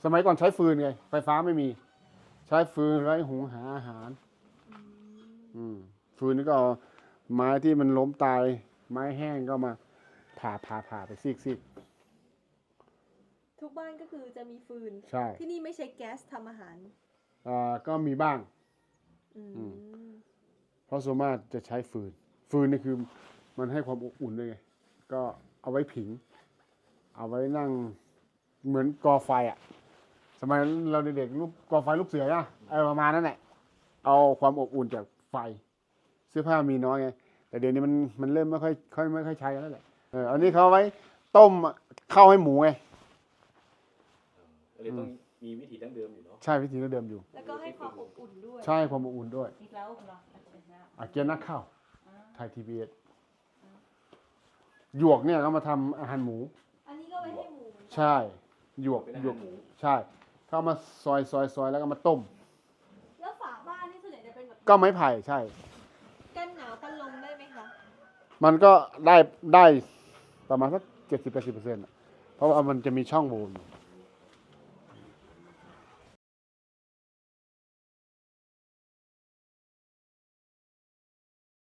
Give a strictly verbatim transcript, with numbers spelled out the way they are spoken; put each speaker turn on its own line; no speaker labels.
สมัยก่อนใช้ฟืนไงไฟฟ้าไม่มีใช้ฟืนไว้หุงหาอาหารอืมฟืนนี่ก็เอาไม้ที่มันล้มตายไม้แห้งก็มาผ่าผ่าผ่าไปซีกซีก
ทุกบ้านก็คือจะมีฟืน
ใช่
ที่นี่ไม่ใช้แก๊สทำอาหาร
อ่าก็มีบ้าง
อืม
อืม เพราะส่วนมากจะใช้ฟืน ฟืนนี่คือมันให้ความอบอุ่นด้วยไง ก็เอาไว้ผิง เอาไว้นั่งเหมือนกอไฟอ่ะ สมัยเราเด็กๆรูปกอไฟลูกเสือนะไอ้ประมาณนั้นแหละ เอาความอบอุ่นจากไฟ เสื้อผ้ามีน้อยไง แต่เดี๋ยวนี้มันมันเริ่มไม่ค่อยค่อยไม่ค่อยใช้แล้วแหละเอออันนี้เขาเอาไว้ต้มข้าวให้หมูไง
ก็เลยต้องมีวิธีดั้งเดิมอยู่เนาะ
ใช่วิธีเดิมอยู่
แล้วก็ให้ความอบอุ่นด้วย
ใช่ความอบอุ่นด้วย
อีกแล้วเหรอ
อาเกียนนักข้าวไทยทีวีเอสหยวกเนี่ยเขามาทำอาหารหมู
อันนี้ก็ไว้ให้หมูเหมือนกัน
ใช่หยวก
เป็นอา
หย
หาว ร
ก
หมู
ใช่เขาเอามาซอยซอยซอยแล้วก็มาต้ม
แล้วฝาบ้านนี่ส่วนใหญ่จะเป็นแบบ
ก็ไม้ไผ่ใช่
กันหนาวกันลมได้ไหมคะ
มันก็ได้ได้ประมาณสักเจ็ดสิบแปดสิบเปอร์เซ็นต์เพราะว่ามันจะมีช่องโหว่อยู่